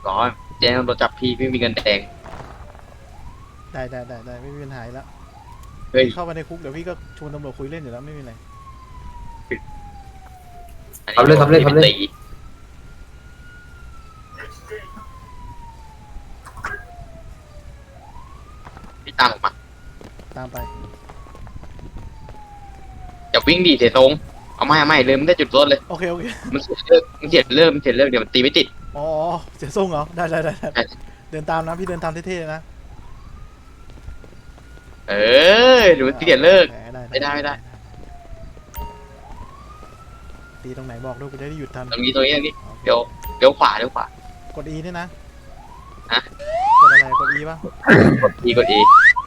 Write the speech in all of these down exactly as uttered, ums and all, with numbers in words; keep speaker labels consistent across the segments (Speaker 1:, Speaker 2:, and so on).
Speaker 1: ก่อนแจ้งตำรวจจับพี่พี่มีเงินแดง
Speaker 2: ได้ได้ได้ได้ไม่มีปัญหาแล้ว
Speaker 1: เฮ้ย
Speaker 2: พี่เข้ามาในคุกเดี๋ยวพี่ก็ชวนตำรวจคุยเล่นอยู่แล้วไม่มีอะไร
Speaker 1: อัน
Speaker 3: ครับเล่นครับเล่นครับเล่น
Speaker 1: ตีพี่ตามผมมา
Speaker 2: ตามไป
Speaker 1: อย่าวิ่งดีเสียทรงเอาไม่เอาไม่เลยมันได้จุดรถเลย
Speaker 2: โอเคโอเค
Speaker 1: มันเสียเลิกมันเสียเลิกมันเสียเลิกเดี๋ยวมันตีไม่ติด
Speaker 2: อ๋อเสียทรงเหรอได้ได้ได้ได้
Speaker 1: ใช่
Speaker 2: เดินตามนะพี่เดินตามเท่ๆนะ
Speaker 1: เออเดี๋ยวมันเสียเลิก
Speaker 2: แหม
Speaker 1: ไม่ได้ไม่ได้
Speaker 2: ตีตรงไหนบอกด้วยกูจะได้หยุดทัน
Speaker 1: ตรงนี้ตรงนี้ตรงนี้เดี๋ยวเดี๋ยวขวาเดี๋ยวขวาก
Speaker 2: ด E นี่นะ
Speaker 1: ฮะ
Speaker 2: กดอะไรกด E ป่ะ
Speaker 1: กดอีกดอี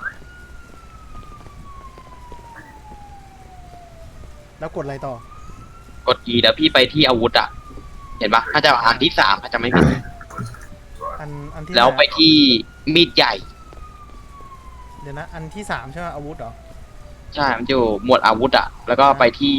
Speaker 2: แล้วกดอะไรต่อก
Speaker 1: ดอีแล้วพี่ไปที่อาวุธอ่ะเห็นปะถ้าจะอันที่สามถ้าจะไม่ผิด
Speaker 2: อันอันที่
Speaker 1: แล้วไปที่มีดใหญ่
Speaker 2: เดี๋ยวนะอันที่สามใช่ไหมอาวุธเหรอ
Speaker 1: ใช่มันจะอยู่หมวดอาวุธอ่ะแล้วก็ไปที่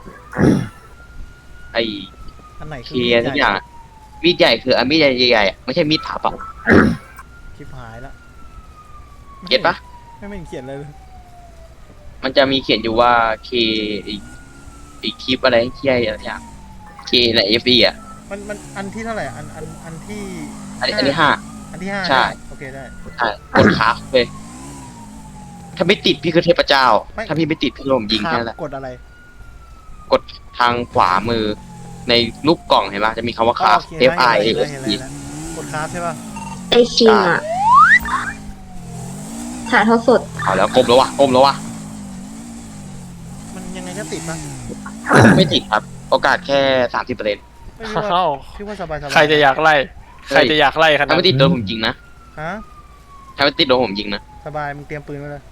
Speaker 1: ไอ
Speaker 2: อันไหน
Speaker 1: เค
Speaker 2: คือ
Speaker 1: ลียร์ทุกอย่างอะมีดใหญ่คืออันมีดใหญ่ๆอะไม่ใช่มีดผ่าเปล่า
Speaker 2: คลิปหายแล้ว
Speaker 1: เก็ตปะ
Speaker 2: ไม่ไม่เห็นเขียนเลยเลย
Speaker 1: มันจะมีเขียนอยู่ว่าเคอีกอีกคลิปอะไรที่อะไรอย่างเคในเอฟบีอ่ะ
Speaker 2: มันมันอันที่เท่าไหร่อันอันอันที่
Speaker 1: อันนี้อันที่ห้า
Speaker 2: อันที่ห้า
Speaker 1: ใช่
Speaker 2: โอเคได้
Speaker 1: ใช่กดค้าเลย ถ้าไม่ติดพี่คือเทพเจ้า
Speaker 2: ไม่
Speaker 1: ถ้าพี่ไม่ติดพี่โดนยิง
Speaker 2: ครั
Speaker 1: แค่
Speaker 2: บ
Speaker 1: นั้นแหละ
Speaker 2: กดอะไร
Speaker 1: กดทางขวามือในรูปกล่องเห็นปะจะมีคำว่าคราฟ
Speaker 2: โอเค
Speaker 1: F I
Speaker 2: ได้
Speaker 1: A
Speaker 2: เห็น
Speaker 1: S
Speaker 2: แล้ว
Speaker 1: E
Speaker 2: เห็นแล้วกดคราฟใช่ป่ะ
Speaker 4: ไอคิมอ่ะถ่ายทอดสด
Speaker 1: เอาแล้วก้มแล้ววะก้มแล้ววะ
Speaker 2: มันยังไงก็ติดป่ะ
Speaker 1: ไม่ติดครับ โอกาสแค่สามสิบเปอร์เซ็นต์
Speaker 2: ไม่พี่ว่า
Speaker 5: อ้าว
Speaker 2: พี่ว่าสบายสบาย
Speaker 5: ใครจะอยากไล่ ใครจะอยากไล่ขนา
Speaker 1: ถ้า
Speaker 5: ด
Speaker 1: ไม่ติดโดนผมยิงนะ
Speaker 2: ฮะ
Speaker 1: ถ้าไม่ติดโดนผมยิงนะ
Speaker 2: สบายมึงเตรียมปืนไว้เลย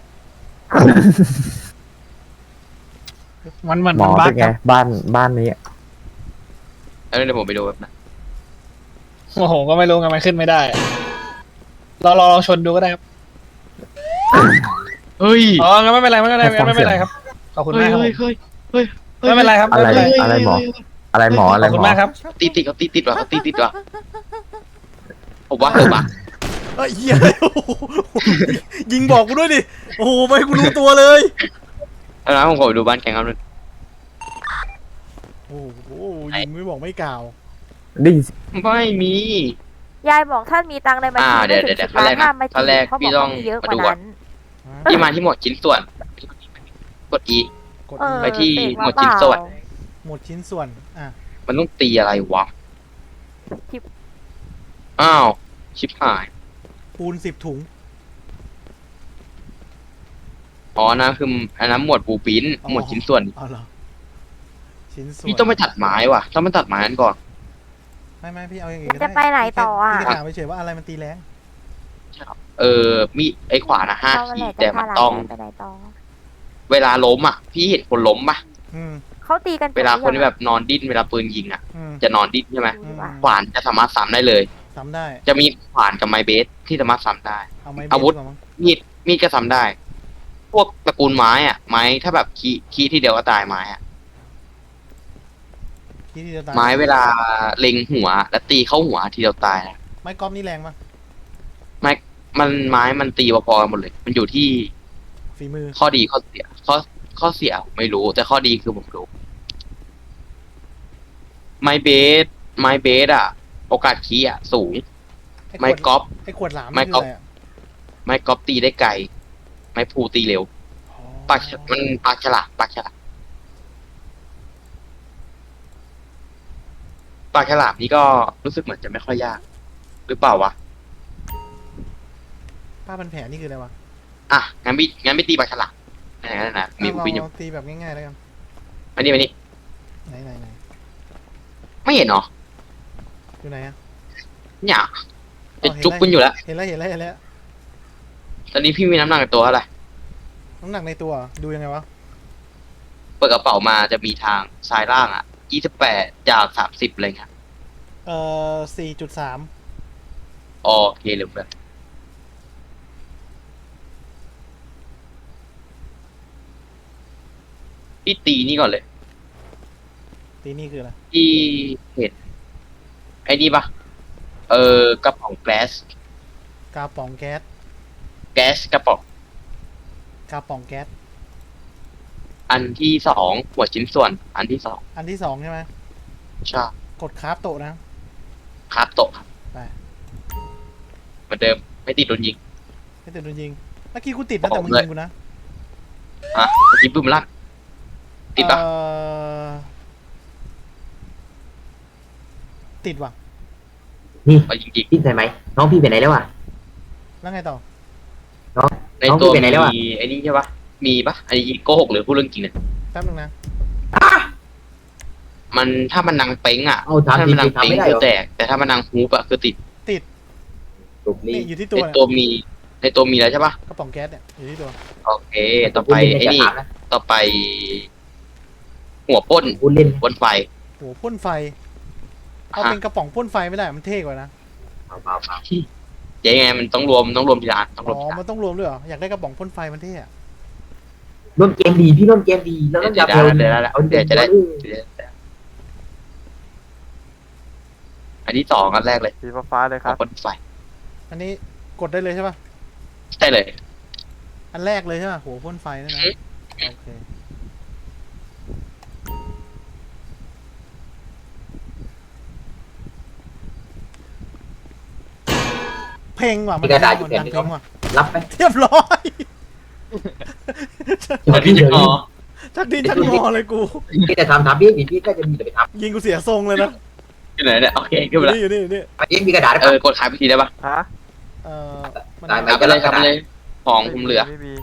Speaker 5: มันมัน
Speaker 3: หม
Speaker 5: มัน
Speaker 3: อ
Speaker 5: บ้า
Speaker 3: เป็น นไง
Speaker 5: ครับ
Speaker 3: บ้านบ้านนี้
Speaker 1: แล้วเดี๋ยวผมไปดูแบบนะ
Speaker 5: โอ้โหก็ไม่รู้ไงมันขึ้นไม่ได้เราลองชนดูก็ได้ครับ
Speaker 1: เฮ้ย
Speaker 5: อ๋องั้นไม่เป็นไรไม่เป็นไรงั้นไม่เป็นไรครับขอบคุณ
Speaker 1: เฮ้
Speaker 5: มาย กครับ
Speaker 1: เฮ้ยเฮ้ยเฮ้ย
Speaker 5: ไม่เป็นไรครับ
Speaker 3: อะไร
Speaker 5: ไม่เป็นไร
Speaker 3: อะไรหมอ อะไรหมออะไร
Speaker 5: ขอบ
Speaker 3: ห
Speaker 5: คุ
Speaker 3: ม
Speaker 5: ณ
Speaker 3: อ
Speaker 5: มากครับ
Speaker 1: ตีติดเขาตีติดว่ะเขาตีติดว่ะผมว่าผมว่า
Speaker 2: เอ้ยเหี้ยโอ้โหยิงบอกกูด้วยดิโอ้โหไม่ให้กูรู้ตัวเลย
Speaker 1: แล้วนะผมขอไปดูบ้านแกงครับนึง
Speaker 2: โอ้โหยิงไม่บอกไม่กล่าว
Speaker 3: ได้ยินเสียง
Speaker 1: ไม่มี
Speaker 6: ยายบอกท่านมีตังค์ในบัญ
Speaker 1: อ่า
Speaker 6: ชี
Speaker 1: เดี๋ยว
Speaker 6: ไม่ถึง
Speaker 1: เดี๋ยว
Speaker 6: สิบล้าน
Speaker 1: ขั้
Speaker 6: ห้าน ม
Speaker 1: แร
Speaker 6: มาก
Speaker 1: นะขั้นแรก
Speaker 6: เขา
Speaker 1: พี่
Speaker 6: บอก
Speaker 1: ต้อง
Speaker 6: ว่ามีเยอะก
Speaker 1: มา
Speaker 6: ว่า
Speaker 1: ดูก่อน
Speaker 6: นั้น
Speaker 1: ที่มาที่หมวดชิ้นส่วน กด E
Speaker 2: กด
Speaker 6: เออ
Speaker 1: ไปที่
Speaker 6: เสก
Speaker 1: หมวด
Speaker 6: เปล่า
Speaker 1: ชิ้นส่วน
Speaker 2: หมดชิ้นส่วนอ่ะ
Speaker 1: มันต้องตีอะไรวะ
Speaker 6: ชิป
Speaker 1: อ้าว ชิบหาย
Speaker 2: ปูนสิบถุง
Speaker 1: อ๋อนะคืออันนั้นหมวดบูปิน
Speaker 2: อ๋อ
Speaker 1: หมวดชิ้นส่วน
Speaker 2: เอาเหรอชิ้นส่วน
Speaker 1: พี่ต้องไปตัดไม้ว่ะต้องไปตัดไม้นั้นก่อน
Speaker 2: ไม่ไม่พี่เอาอย่างอื่น
Speaker 6: มัน
Speaker 2: ก็
Speaker 6: จะ
Speaker 2: ได้
Speaker 6: ไปไหนต่ออ่ะ
Speaker 2: พี่จะถามเฉยๆว่าอะไรมันตีแรง
Speaker 1: เออ มีไอ้ขวานะห้า
Speaker 6: เรา
Speaker 1: ขี
Speaker 6: แห
Speaker 1: ด
Speaker 6: ละ
Speaker 1: แต่
Speaker 6: จะ
Speaker 1: มั
Speaker 6: พาน หลาน
Speaker 1: ต้อง
Speaker 6: ไปไหนต่อ
Speaker 1: เวลาล้มอ่ะ พี่เห็นคนล้มปะ
Speaker 2: อืม
Speaker 6: เขาตีกัน
Speaker 1: เวลาคนที่
Speaker 6: จ
Speaker 1: แบบนอนดิ้นเวลาปืนยิงอ่ะ
Speaker 2: อืม
Speaker 1: จะนอนดิ้นใช่ไหม
Speaker 6: ดูดีกว่า
Speaker 1: ขวานจะสามารถซ้ำได้เลย
Speaker 2: ทำได้
Speaker 1: จะมีขวานกับไม้เบสที่สามารถซ้ำได้
Speaker 2: เอาไม้เบส
Speaker 1: อาวุธ
Speaker 2: ดีกมั้ง
Speaker 1: มีด มีดก็ซ้ำได้ พวกตระกูลไม้อ่ะ ไม้ถ้าแบบคีคีที่เดียวก็ตายไม้อ่ะ
Speaker 2: ที่ที่จะตาย
Speaker 1: ไม้เวลาเล็งหัว แล้วตีเข้าหัวทีเดียวตายนะ
Speaker 2: ไม้กอล์ฟนี่แรงปะ
Speaker 1: ไม้มันไม้มันตีพอๆกันหมดเลย มันอยู่ที่
Speaker 2: ฝีมือ
Speaker 1: ข้อดีข้อเสีย ข้อข้อเสียไม่รู้ แต่ข้อดีคือผมรู้ ไม้เบส ไม้เบสอ่ะ โอกาสคีอ่ะ สูง
Speaker 2: ไอ้ขวด
Speaker 1: ไม้กอล์ฟ
Speaker 2: ไอ้ขวดหลาม
Speaker 1: ไม้
Speaker 2: นี่
Speaker 1: ก
Speaker 2: คือ
Speaker 1: อล์ฟ
Speaker 2: อะไรอะ
Speaker 1: ไม้กอล์ฟตีได้ไกล ไม้พลูตีเร็ว
Speaker 2: อ๋อ
Speaker 1: ปากฉมันปากฉลาดปากฉลาดปากฉลาดนี่ก็รู้สึกเหมือนจะไม่ค่อยยาก หรือเปล่าวะ
Speaker 2: ผ้าพันแผลนี่คืออะไรวะ
Speaker 1: อ่ะ งั้นไม่งั้นไม่ตีปากฉลาดไหนๆนะมี
Speaker 2: เอา
Speaker 1: บุปินอยู่
Speaker 2: ลองตีแบบง่ายๆแล้วกัน
Speaker 1: มานี่มานี่
Speaker 2: ไหนไหนไหน
Speaker 1: ไม่เห็นเหรอ
Speaker 2: อยู่ไหนอะ
Speaker 1: เนี่ยจะ
Speaker 2: อ๋อเห็น
Speaker 1: จุก
Speaker 2: แล้ว
Speaker 1: คุณอยู่แล้ว
Speaker 2: เห็นแล้วเห็นแล้วเห็นแล้ว
Speaker 1: ตอนนี้พี่มีน้ำหนักในตัวเท่าไหร่
Speaker 2: น้ำหนักในตัวเหรอดูยังไงวะ
Speaker 1: เปิดกระเป๋ามาจะมีทางซ้ายล่างอ่ะยี่สิบแปดจากสามสิบอะไรเงี้ย
Speaker 2: เอ่อสี่จุดสาม
Speaker 1: โอเคเหลือเพื่อนพี่ตีนี่ก่อนเลย
Speaker 2: ตีนี่คืออะไร
Speaker 1: ที่เห็นไอ้นี่ปะเออกระป๋องแก๊ส
Speaker 2: กาป๋องแก๊ส
Speaker 1: แก๊สกระป๋อง
Speaker 2: กาป๋องแก๊ส
Speaker 1: อันที่สองหัวชิ้นส่วน อันที่สอง
Speaker 2: อันที่สองใช่ไหม
Speaker 1: ใช่
Speaker 2: กดคราฟโตะนะ
Speaker 1: ครับโตะครับ
Speaker 2: ไป
Speaker 1: เหมือนเดิมไม่ติดโดนยิง
Speaker 2: ไม่ติดโดนยิงเมื่อกี้กูติดนะแต่มึง
Speaker 1: เลย
Speaker 2: ยิงกูนะ
Speaker 1: ฮะเมื่อกี้บึ้มลั่นติดปะ
Speaker 2: เอ่อติดว่ะ
Speaker 4: นี่
Speaker 1: เอาจริง
Speaker 4: พี่ใส่ไหมน้องพี่ไปไหนแล้วอ่ะ
Speaker 2: แล้วไงต่อ
Speaker 1: ๆใน
Speaker 4: น้อง
Speaker 1: ตัว
Speaker 4: พี่ไปไหนแล้วอะ
Speaker 1: มีไอ้นี่ใช่ปะมีปะอันนี้โกหกหรือพูดเรื่องจริงเนี่ย
Speaker 2: แป๊บนึงนะ
Speaker 1: มันถ้ามันนังเป้งอ่ะ
Speaker 4: เอาถาม
Speaker 1: ถ้า
Speaker 4: จริ
Speaker 1: มันนัง
Speaker 4: งๆทำ
Speaker 1: เป้ง
Speaker 4: ไม่ได้
Speaker 1: คื
Speaker 4: เห
Speaker 1: อ
Speaker 4: รอ
Speaker 1: แตกแต่ถ้ามันนังฮูปอะคือติด
Speaker 4: ถูก
Speaker 2: นี่
Speaker 4: นี่
Speaker 2: อยู่ที่
Speaker 1: ใน
Speaker 2: ตัวเนี่ย
Speaker 1: ตัวมีในตัวมีแล้วใช่ปะ
Speaker 2: กระป๋องแก๊สเนี่ยอยู่ที่ตัว
Speaker 1: โอเค ต่อไปไอ้นี่
Speaker 4: ถามนะ
Speaker 1: ต่อไป หัวป้น
Speaker 4: พูดเล่น
Speaker 1: บนไฟ
Speaker 2: โอ้พ่นไฟ เอา
Speaker 1: ฮะ
Speaker 2: เป็นกระป๋องพ่นไฟไม่ได้มันเท่กว่านะ
Speaker 4: เปล่าเปล่าเปล่า
Speaker 1: เจ๊ไงมันต้องรวมต้องรวมทีละอันต้องร
Speaker 2: อ๋
Speaker 1: วม
Speaker 2: อ
Speaker 1: ทีละอั
Speaker 2: มัน นต้องรวมด้วยเหรออยากได้กระป๋องพ่นไฟมันเท่อะ
Speaker 4: ร่วมเกมดีพี่ร่วมเกมดีแล้วต้อง
Speaker 1: เดี๋
Speaker 4: จั
Speaker 1: ย
Speaker 4: บ
Speaker 1: ว
Speaker 4: เร็ว
Speaker 1: เดี๋ยวเดี๋ยว
Speaker 4: เอา
Speaker 1: เดี๋ยวจะได้
Speaker 4: เร็ว
Speaker 1: อันที่สองอันแรกเลย
Speaker 3: สีฟ้าๆเลยค
Speaker 1: หั
Speaker 3: รั
Speaker 1: ว
Speaker 3: บ
Speaker 1: ป้นไฟ
Speaker 2: อันนี้กดได้เลยใช่ป่ะ
Speaker 1: ใช่เลย
Speaker 2: อันแรกเลยใช่ป่ะหัวพ่นไฟนั่นนะ
Speaker 1: อืม
Speaker 2: โอเคเพลงว่ะมันดังมันดังเพลงว่ะ
Speaker 4: รับไหม
Speaker 2: เรียบร้อย
Speaker 4: เดี๋ยวพี่เดี๋ยวนี้
Speaker 2: ชักดินชักงอเลยกู
Speaker 4: พี่จะทำทำพี่พี่ก็จะมีแต่ไปท
Speaker 2: ยิงกูเสียทรงเลยนะ
Speaker 1: อยู่ไหนเนี่ยโอเค
Speaker 2: อ
Speaker 1: ขึ้น
Speaker 2: ยู่
Speaker 1: ไปแล้ว
Speaker 2: นี่อยู่นี่อยู่นี่
Speaker 4: ำมันยังมีกระดาษได้
Speaker 1: เอ
Speaker 4: ปะ
Speaker 1: อกดขายไปทีได้ปะ
Speaker 3: ฮะ
Speaker 2: เออมัน
Speaker 4: ได้ไหม
Speaker 1: ครับไปเลยครับไปเลยของผมเหลือ
Speaker 3: ไม่มี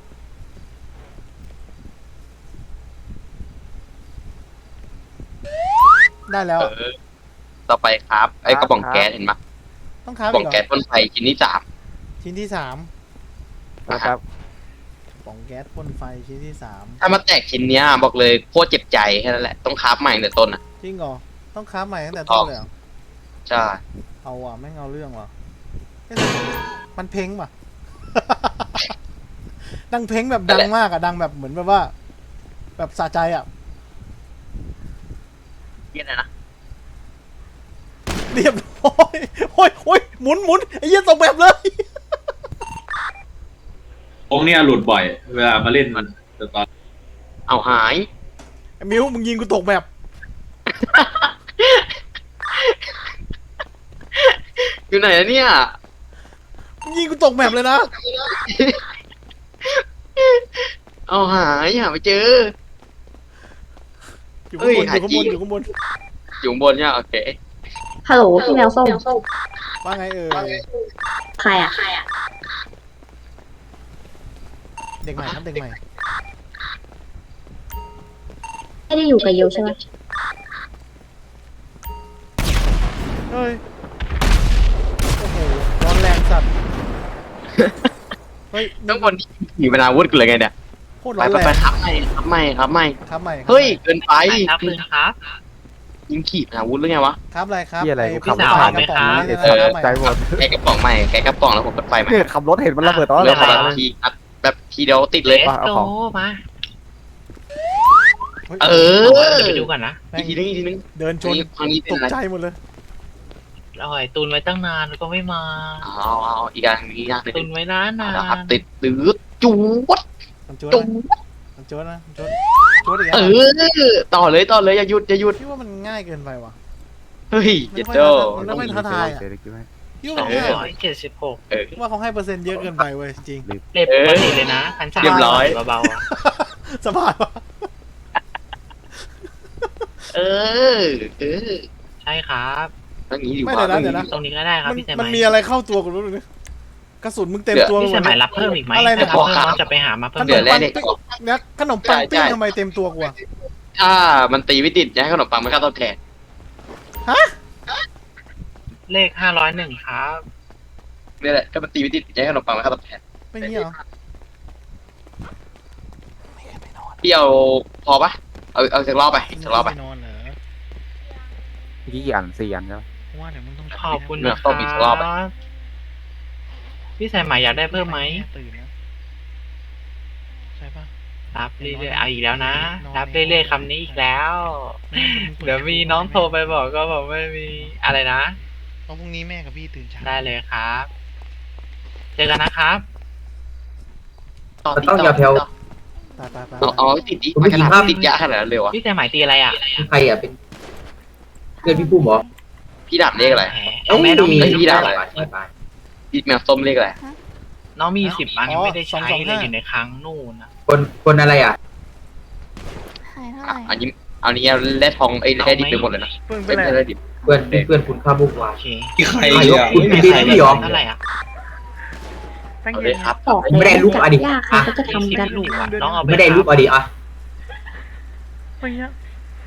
Speaker 2: ได้แล้ว
Speaker 1: เอ
Speaker 2: อะ
Speaker 1: อ ต่อไปครับไอ้กระป๋องแก๊สเห็นปะ
Speaker 2: ต้อง
Speaker 1: ก
Speaker 2: ค้า
Speaker 1: ระ
Speaker 2: ฟ
Speaker 1: ป๋อ
Speaker 2: อี
Speaker 1: ง
Speaker 2: กเหร
Speaker 1: แก๊ส
Speaker 2: อ
Speaker 1: พ่นไฟชิ้นที่สาม
Speaker 2: ชิ้นที่สาม
Speaker 3: นะครับ
Speaker 2: ป๋องแก๊สพ่นไฟชิ้นที่สาม
Speaker 1: ถ้ามาแตกชิ้นเนี้ยบอกเลยโคตรเจ็บใจแค่นั้นแหละต้องคราฟใหม่ตั้งแต่ต้นอ่ะ
Speaker 2: จริงเหรอต้องค้าฟใหม่ตั้งแต่ต้นเลยเหรอ
Speaker 1: ใช่
Speaker 2: เอาว่ะแม่งเอาเรื่องว่ะเอ๊ะแต่มันเพ้งป่ะ ดังเพ้งแบบดังมากอะดังแบบเหมือนแบบว่า แบบสะใจอะ
Speaker 1: เยี่ยนะ
Speaker 2: เรียบร้อยโอ้ยโอ้ยหมุนหมุนไอ้เหี้ยตกแบบเลย
Speaker 7: โองเนี่ยหลุดบ่อย เวลามาเล่นมันแต่ตอน
Speaker 1: เอาหาย
Speaker 2: ไอ้มิวมึงยิงกูตกแบบ
Speaker 1: อยู่ไหนอะเนี่ย
Speaker 2: มึงยิงกูตกแบบเลยนะ
Speaker 1: เอาหายหาไม่เจอ
Speaker 2: อยู่ข้างบน
Speaker 1: เอ้
Speaker 2: อย ยู่ข้างบน
Speaker 1: หาจริง
Speaker 2: อยู่ข้างบน
Speaker 1: อยู่ข้างบนเนี่ยโอเค
Speaker 8: ฮัลโหลพี่แมวส้ม
Speaker 2: ว่าไงเออ
Speaker 8: ใครอ่ะ
Speaker 2: เด็กใหม่ครับเด็กใหม่
Speaker 8: ไม่ได้อยู่กับโยใช่ไหม
Speaker 2: เฮ้ยโอ้โหร้อนแรงสัตว์เฮ้ย
Speaker 1: ต้องบนขี่เป็นอาวุธกันเลยไงเนี่ย
Speaker 2: โคตร
Speaker 1: ไป
Speaker 2: ร้อน
Speaker 1: ไป
Speaker 2: แร
Speaker 1: ไป
Speaker 2: ง
Speaker 1: ครับไม่ครับไม่ครับไม่
Speaker 2: ครับใหม่ครับ
Speaker 1: เฮ้ย
Speaker 2: ใหม่
Speaker 1: เกินไป
Speaker 5: ครับคุณครับ
Speaker 1: ยิงขี่เป็นอาวุธหรือไงวะ
Speaker 2: ครับอะไรครับ
Speaker 3: เหี้ยอะไร
Speaker 2: อ้
Speaker 3: กู
Speaker 2: พี่
Speaker 3: ขับ
Speaker 2: สาว
Speaker 3: ไม่
Speaker 2: ก
Speaker 3: ทั
Speaker 2: ระ
Speaker 3: น
Speaker 2: ป๋องนี่
Speaker 3: เอ
Speaker 2: นะ
Speaker 3: อ
Speaker 2: ครับใหม่
Speaker 3: ใจหมด
Speaker 1: แกกระป๋องใหม่แกกระป๋องแล้วผมกดไฟใหม่
Speaker 3: เนี่ยขับรถเห็นมันระเบิดตอน
Speaker 1: เลื
Speaker 3: แร
Speaker 1: อก
Speaker 3: ก
Speaker 1: อะไร
Speaker 3: เลย
Speaker 1: ทีอัดแบบทีเดียวติดเลย
Speaker 3: ว่าเอาของ
Speaker 5: มา
Speaker 2: เฮ้ย
Speaker 1: เออ
Speaker 5: เดี๋ยวไปดูก่อนนะ
Speaker 2: แม่
Speaker 1: อี
Speaker 2: ง
Speaker 1: กทีนึงอีกทีนึง
Speaker 2: เดินชน
Speaker 1: ครั้งนี้เป็
Speaker 2: ต
Speaker 1: น
Speaker 2: ก
Speaker 1: อะไร
Speaker 2: ใจหมดเลย
Speaker 5: เราหอยตุนไว้ตั้งนานแล้วก็ไม่มา
Speaker 1: เอาเอาเอาอีกอันอีกอันหนึ่ง
Speaker 5: ตุนไว้นานนา
Speaker 1: เอาละครับ
Speaker 5: น
Speaker 1: ติดตื้อจูด
Speaker 2: มันโจด
Speaker 1: จู
Speaker 2: นะ
Speaker 1: ด
Speaker 2: มันโจดนะมันโจดโจดอีก
Speaker 1: เอ
Speaker 2: แล้ว
Speaker 1: อต่อเลยต่อเลยอย่าหยุดอย่าหยุด
Speaker 2: พี่ว่ามันง่ายเกินไปว่ะ
Speaker 1: เฮ้ย
Speaker 2: ไม่
Speaker 1: เจ็ด
Speaker 2: ค่อย
Speaker 1: โจ้
Speaker 2: มันไม่ท้าทายอะ
Speaker 3: เดี๋ยวคิดให้
Speaker 2: พี่ว่า
Speaker 5: ส
Speaker 2: มั
Speaker 5: อน ง
Speaker 2: ง่าย
Speaker 5: ร้อยเจ็ดสิบหก
Speaker 1: เออ
Speaker 2: พี่ว่าเขาให้เปอร์เซ็นต์เยอะเกินไปเว้ยจริง
Speaker 5: เล็บปกติเลยนะพันสาม
Speaker 1: เรียบร้อย
Speaker 5: เบาๆอะ
Speaker 2: สบายว่ะ
Speaker 1: เออเออ
Speaker 5: ใช่ครับ
Speaker 1: ต้องงี้ดี
Speaker 2: ไม่
Speaker 1: กว่า
Speaker 2: เดี๋ยวนะเดี๋ยวนะ
Speaker 5: ตรงนี้ก็ได้ครับ
Speaker 2: มัน
Speaker 5: พี่สายไห
Speaker 2: มัน
Speaker 5: ม
Speaker 2: มีอะไรเข้าตัวกูรู้เลยกระสุนมึงเต็มตัว
Speaker 5: พี่
Speaker 2: หม
Speaker 5: สา
Speaker 2: ด
Speaker 5: ยไหมรับเพิ่มอีกไหม
Speaker 2: อะไรเนี่ย
Speaker 5: ถ้ารับเพิ่มเราจะไปหามาเพิ่
Speaker 2: ข
Speaker 5: ม
Speaker 2: น
Speaker 1: เดี๋ย
Speaker 2: ม
Speaker 1: วแร
Speaker 2: ปั
Speaker 1: ก
Speaker 2: ง
Speaker 1: เนี่ย
Speaker 2: ปิ้งเนี่ยขนมปังปิ้งทำไมเต็มตัวกูอะ
Speaker 1: ถ้ามันตีไม่ติดจะให้ขนมปังมันค่าตอบแทน
Speaker 5: เลขห้าร้อยหนึ่งครับ
Speaker 1: นี่แหละถ้ามันตีไม่ติดจะให้ขนมปังมันค่าตอบแทน
Speaker 2: ไม่เงี้ยเหรอ
Speaker 1: พี่เอาพอปะเอาเอาสักรอบไปอีกสักรอบไป
Speaker 2: นอนเหรอ
Speaker 3: เมื่อกี้กี่อันสี่อันใช่ไหม
Speaker 2: ว่าเดี๋ยวมึงต้อง
Speaker 5: ขอบคุณ
Speaker 1: เนี่ย
Speaker 5: นะค
Speaker 1: ต้
Speaker 5: รั
Speaker 1: องมีอีกรอบอะ
Speaker 5: บพี่สายไหมอยากได้เพิ่มไหม
Speaker 2: ตื่นนะใช่ปะ
Speaker 5: รับเรื่อยๆเอาอีกแล้วนะ รับเรื่อยๆคำนี้อีกแล้ว เดี๋ยวมีน้องโทรไปบอกก็บอกไม่มีอะไรนะ
Speaker 2: เพราะพรุ่งนี้แม่กับพี่ตื่นเช้า
Speaker 9: ได้เลยครับ เจอกันนะครับ
Speaker 1: ต่อ
Speaker 4: มัน
Speaker 1: ติด
Speaker 4: ต้อง
Speaker 1: ต่
Speaker 4: อย่าแถว
Speaker 2: ตายตายตาย
Speaker 1: เอาเอาติดดิ
Speaker 4: คุณผู้หญิงครับ
Speaker 1: ติดยาขนาดนั้นเลยวะ
Speaker 9: พี่แต่หมายตีอะไรอ่ะ
Speaker 4: ใครอ่ะเป็นเพื่อนพี่ปุ้มเหรอ
Speaker 1: พี่ดาบเลขอะไร
Speaker 9: เอาแม่น้องมี
Speaker 1: เอ้ย
Speaker 9: สิบ
Speaker 1: พี่ได้
Speaker 9: อัน
Speaker 1: อะไร
Speaker 4: ไปไป
Speaker 1: พี่แมวส้มเลขอะไร
Speaker 9: น้องมีสิบอันยังไม่ได้ใช้เลยอยู่ในครั้งนู่นนะ
Speaker 4: คนคนอะไรอ่ะ
Speaker 6: หายเท่าไห
Speaker 1: อ่ะ
Speaker 6: ร่
Speaker 1: อันนี้อันนี้แร่ทองไอ้แร่ดิบไปหมดเลยนะ
Speaker 2: เพิ่งไป
Speaker 1: ไม่
Speaker 2: ไหน
Speaker 1: ใช่แร่ดิบ
Speaker 4: เพื่อนเพื่อนคุณข้าบุกวา
Speaker 9: โอเค
Speaker 7: ที่ใคร
Speaker 4: ใคร
Speaker 7: อ่ะ
Speaker 4: คุณเป็นพี่พี่หรอ
Speaker 9: เท่าไหร่อ่ะ
Speaker 2: ตั้ง
Speaker 1: เอา
Speaker 2: เย็
Speaker 1: เล
Speaker 2: น
Speaker 1: ยครับ
Speaker 8: บอก
Speaker 4: ไม่ได้
Speaker 8: แล้ว
Speaker 4: รูป
Speaker 8: จั
Speaker 4: อ่ะ
Speaker 8: บ
Speaker 4: ดิ
Speaker 8: ยากเขาก็จะทำกัน
Speaker 9: ลูกอ่ะน้องเอาป
Speaker 4: ไม่ได้รูปอ่ะดิอ่ะ
Speaker 2: ไปเงี้ย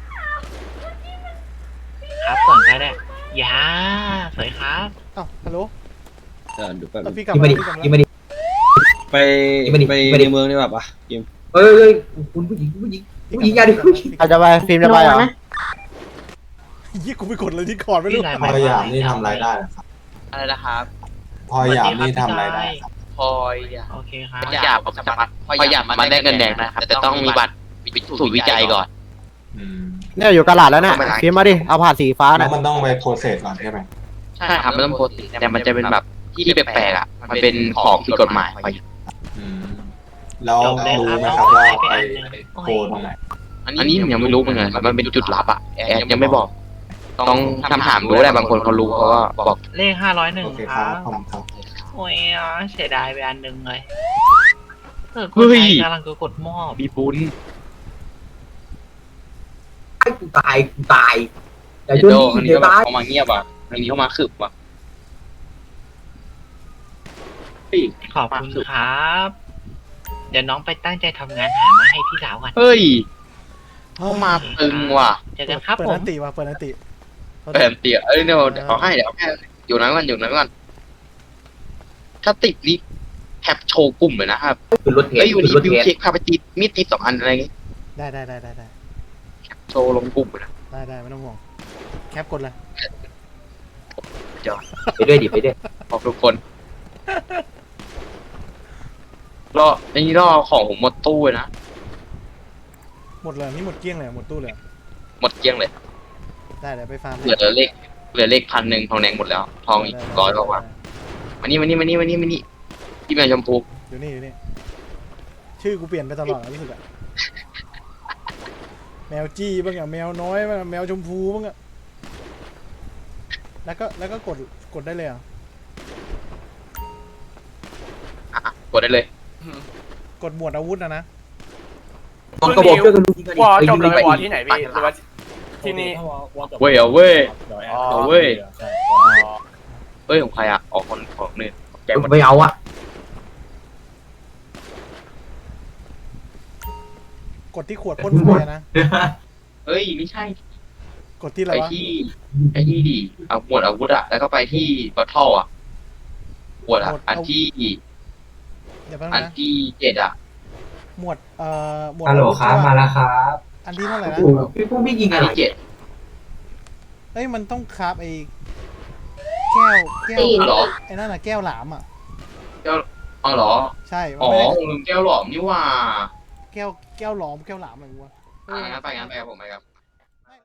Speaker 9: ครับก่อนก็ได้ยาสวยครับ
Speaker 2: เอ้าฮัลโหล
Speaker 7: เออดูแป๊บ
Speaker 2: เอาพี่กลับ
Speaker 4: ยิง
Speaker 2: มา
Speaker 4: มาดิ
Speaker 2: พี่กลับมา
Speaker 4: ยิงมาดิ
Speaker 7: ไป
Speaker 4: ไม่ได้
Speaker 7: ไป
Speaker 4: ไม่ได้
Speaker 7: ในเมืองดีกว่าปะกิม
Speaker 4: เอ้ยเอ้ยคุณผู้หญิงคุณผู้หญิงผู้หญิงอย่าดิผู้หญิง
Speaker 2: อาจจะไปฟิล์ม
Speaker 8: ระวังนะ
Speaker 2: ยี่กูไปกดเลยที่คอร์ดไม่รู้
Speaker 9: พี่นาย
Speaker 10: พอยามนี่ทำรายได้นะครับ
Speaker 1: อะไรนะครับ
Speaker 10: พอยามนี่ทำรายได้ครับ
Speaker 1: พอยา
Speaker 9: โอเคครับ
Speaker 1: พอยาผมจะมาพอยามันได้เงินแดงนะครับแต่ต้องมีบัตรสูตรวิจัยก่อน
Speaker 10: อืม
Speaker 2: เนี่ยอยู่กระดาษแล้วเนี่ย
Speaker 1: ไม่เป็นไร
Speaker 2: ฟิล์มมาดิเอาผ่านสีฟ้า
Speaker 10: แล้
Speaker 2: น่ะ
Speaker 10: วมันต้องไปโปรเซสก่อนใช่ไหม
Speaker 1: ใช่ครับมันต้องโพสต์แต่มันจะเป็นแบบที่แปลกๆอ่ะมันเป็นของผิดกฎหมายพอยา
Speaker 10: อืมแล้ว
Speaker 9: จบเลย
Speaker 10: รู้
Speaker 9: ครับ
Speaker 10: ไหม
Speaker 9: น้อง
Speaker 10: ครับว่า
Speaker 9: ได้ไป
Speaker 10: ไป
Speaker 9: อันหนึ่ง
Speaker 10: โคตรงไหน
Speaker 1: อันนี้ผมยังไม่รู้เหมือนกันมันเป็นจุดลับอ่ะแอดยังไม่บอก ต้องทำถามรู้แหละบางคนเขารู้เขาก็บอก
Speaker 9: เลขห้าร้อยหนึ่ง
Speaker 10: โอเค
Speaker 9: ค
Speaker 10: ครั
Speaker 9: รั
Speaker 10: บบ ขอบคุณครับ
Speaker 9: โอ้ยอ่ะเสียดายไปอันหนึ่งเลยเออ
Speaker 1: เฮ้ย
Speaker 9: กำลังจะกดมอบ
Speaker 1: มีบุญ
Speaker 4: ไอ้กูตายกูตายอย่า
Speaker 1: เดี๋
Speaker 4: โย
Speaker 1: ยวน โดอัน
Speaker 4: นี่
Speaker 1: นี้
Speaker 4: เดี๋ย
Speaker 1: ก็
Speaker 4: ว
Speaker 1: แบบ
Speaker 4: ตาย
Speaker 1: เขามาเงียบอ่ะอันนี้เขามาขึบอ่ะเฮ้ย
Speaker 9: ขอบคุณครับ เดี๋ยวน้องไปตั้งใจทำงานหามาให้พี่สาวก่อน
Speaker 1: เฮ้ยเขามาตึงว่ะ
Speaker 9: เจอกันครับ
Speaker 2: เปิด
Speaker 9: ผ
Speaker 2: นั
Speaker 9: ม
Speaker 2: นติว่ะเปิดนันติ
Speaker 1: เปิดเตี๋ยเอ้ยเดี๋ยวเอาให้เดี๋ยวเอาให้อยู่นั้นก่อนอยู่นั้นก่อนถ้าติดนี่แคปโชว์กลุ่มเลยนะครับ
Speaker 4: ขึ้นรถเท
Speaker 1: เอ้
Speaker 4: ส
Speaker 1: ยอยู่
Speaker 4: ขึ้น
Speaker 1: ดี
Speaker 4: รถ
Speaker 1: บิว
Speaker 4: เทส
Speaker 1: เช็คพาไปติดมีดติดสองอันอะไรเงี้ย
Speaker 2: ได้ได้ได้ได้ได้
Speaker 1: โชว์ลงกลุ่มเลยนะ
Speaker 2: ได้ได้ไม่ต้องห่วงแคปกดเลย
Speaker 4: ไปด้วยดิไปด้วย
Speaker 1: บอกทุกคนรออันนี้รอของผมหมดตู้เลยนะ
Speaker 2: หมดเลยนี่หมดเกลี้ยงเลยหมดตู้เลย
Speaker 1: หมดเกลี้ยงเลย
Speaker 2: ได้เดี๋ยวไปฟาร์ม
Speaker 1: เหลือเลขเหลือเลขพันหนึ่งทองแดงหมดแล้ว ทองอีกร้อยกว่ามานี่มานี่มานี่มานี่มานี่พี่แมวชมพู
Speaker 2: อยู่นี่อยู่นี่ชื่อกูเปลี่ยนไปตลอดอะรู้สึกอะแมวจี้บ้างอะแมวน้อยบ้างอะแมวชมพูบ้างอะแล้วก็แล้วก็กดกดได้เลยเหรอ่ะ
Speaker 1: อ่ะกดได้เลย
Speaker 2: กดหมวดอาวุธนะนะ
Speaker 4: มันก็บอกช่วยกันดูยิงกันดิ
Speaker 11: วอ
Speaker 4: เอ้ย
Speaker 11: จ
Speaker 4: ยิ
Speaker 11: บ
Speaker 4: ง
Speaker 11: เล
Speaker 4: ไป
Speaker 11: ยวอที่ไหนพี่หรือว่าที่นี่
Speaker 1: เว้ยเอาเว้ยเอาเว้ยเฮ้ยของใครอ่ะออกคนของหนึ่งแกหมด
Speaker 4: ไม่เอาอ่ะ
Speaker 2: กดที่ขวดพ่นไฟอะนะ
Speaker 1: เฮ้ยไม่ใช่
Speaker 2: กดที่อะไร
Speaker 1: ไป
Speaker 2: วะ
Speaker 1: ที่ไอ้ที่ดิเอาหมวดอาวุธอะแล้วก็ไปที่บัตเทิลอะหมวดอะอันที่
Speaker 2: เดี๋ยวแป๊บ
Speaker 1: อั
Speaker 2: นึ
Speaker 1: น
Speaker 2: งนะ
Speaker 1: ที่เจ็ดอะ
Speaker 2: หมวดเอ่อหมวด
Speaker 4: ฮัลโหล
Speaker 2: อาวุธ
Speaker 4: ครับมาแล้วครับ
Speaker 2: อันที่เท่าไหร่นะ
Speaker 4: พี่ปุ้มพี่ยิง
Speaker 1: อั
Speaker 4: อะ
Speaker 1: น
Speaker 4: ไร
Speaker 1: ที่เจ็ด
Speaker 2: เอ้ยมันต้องคราบไอ้แก้วแก้ว
Speaker 8: ตีน
Speaker 1: เหรอ
Speaker 2: ไอ้นั่นน่ะแก้วหลามอ่ะ
Speaker 1: อ๋อเหรอ
Speaker 2: ใช่มัน
Speaker 1: อ๋อ
Speaker 2: ไม่ได้
Speaker 1: ผมลืมแก้วหลอมนี่ว่า
Speaker 2: แก้วแก้วหลอมแก้วหลามอะไรวะ
Speaker 1: อ่ะงั้นไปงั้นไปครับผมไปครับ